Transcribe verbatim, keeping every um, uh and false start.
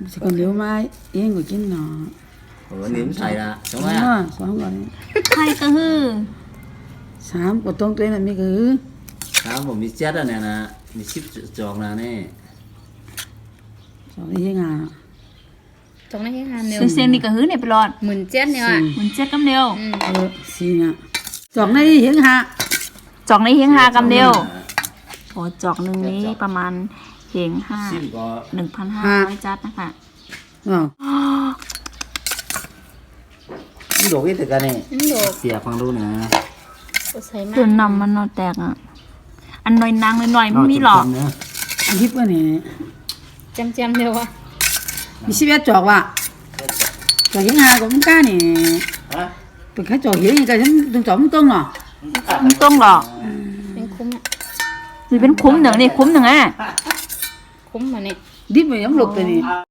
chỉ còn nếu mai yên của chín nó ủa niệm thầy là đúng đúng không rồi sáu rồi ไข่กระหือ sám của tông tuyến là mấy cứ sao mà mi chết rồi nè nè mi ship tròn nè nè sáu đi à ตรงนั้นยังหาเนียวเสียงๆนี่กระหือเนี่ยไปรอดหมื่นเจ็ดเนี่ยอ่ะเหมือนเจ็ดกำเดียวอืม ờ xì nè chọn này hiến hạ จอกในเฮียงห้ากำเดียวโอ้จอกหนึ่งนี้ประมาณเฮียงห้า ship có หนึ่งพันห้าร้อยจัดนะคะ ờ cái đồ cái từ cái này นั่นโดด xìa khoang luôn nè ก็ใส่มาจนนำมันนอนแตกอ่ะ อันหน่อยนางหน่อยๆไม่มีหรอก nữa ăn hiếp cái này จำจำเดียวอ่ะ đi ship chọn vậy chọn hiến hạ cũng cá này hả từ cái chọn hiến cái chúng chúng chọn tung à มันต้องหรอกเป็นคุ้มอ่ะนี่เป็นคุ้มหนึ่งนี่คุ้มหนึ่งอ่ะคุ้มมาเนี่ย đi về giống lục rồi này